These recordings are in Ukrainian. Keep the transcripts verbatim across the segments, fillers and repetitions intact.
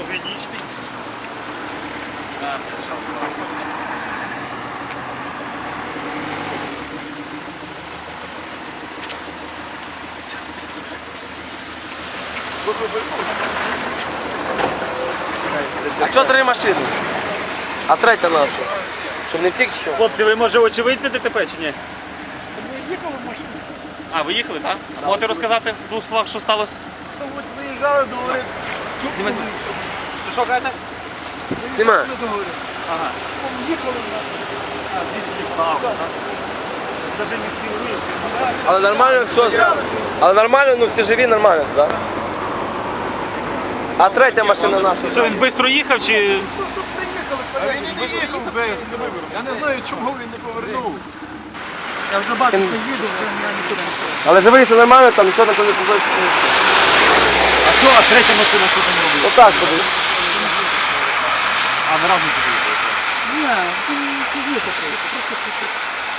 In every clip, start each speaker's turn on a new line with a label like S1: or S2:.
S1: фотогенічний. Так, що
S2: А чого три машини? А третя наша? Щоб не втік що?
S1: Хлопці, ви може очевидці ДТП чи ні?
S3: Їхали в машині.
S1: А, ви їхали, так? А можете розказати в двох словах, що сталося?
S3: От виїжджали до гори.
S1: Що, що кажете?
S2: Знімаю.
S3: До гори.
S1: Ага.
S3: Їхали в нас.
S1: А, звідси вправо, так? Навіть не спів виїзд.
S2: Але нормально все. Але нормально, ну всі живі, нормально, так? Да? А третя машина наша.
S1: Що, він швидко їхав чи...
S3: А він і не їхав без. Я не знаю, чому він не повернув. Я вже бачу, що їду, вже я нікуди не пішов.
S2: Але живий, все нормально, там нічого такого не побачить.
S1: А що, а третя машина що там робила?
S2: Отак подивись.
S1: А, ви разом сюди їхали?
S3: Ні, він пізніше приїхав, просто сусід.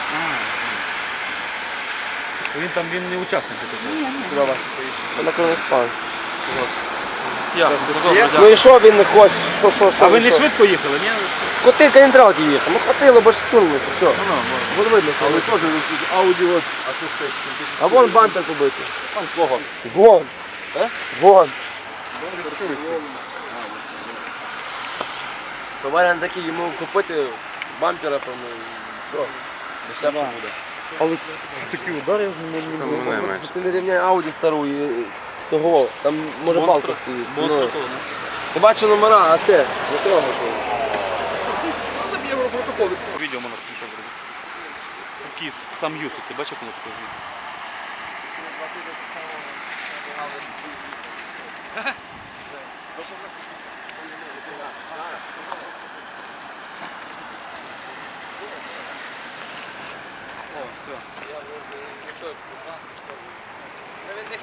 S1: Він там, він не учасник такого.
S3: Ні, ні.
S2: Куди вас? На Кроноспан.
S1: Ясно,
S2: Ну і що він не хоче? Що, що, що?
S1: А ви
S2: ну,
S1: не
S2: що?
S1: швидко їхали, ні?
S2: Коти каліндралки їхав. Ну хватило, бо ж сунулося. Все. Буде видно. що
S4: Але
S2: ви-
S4: теж Ауді от, а що стоїть?
S2: А вон бампер побитий.
S4: Там кого?
S2: Вон.
S4: Е?
S2: Вон. То варіант такий, йому купити бампера, там, і все. Дешевше буде.
S4: Але що такі удари не
S2: Ти не рівняй Ауді стару і того, там може балка стоїть.
S1: Монстра
S2: Ну.
S1: того, не?
S2: Ти бачиш номера, а те, не трогай того.
S4: Треба б його протокол.
S1: Відео можна скріншот зробити. Такий сам Юсу, це бачив, коли таке відео? О, все.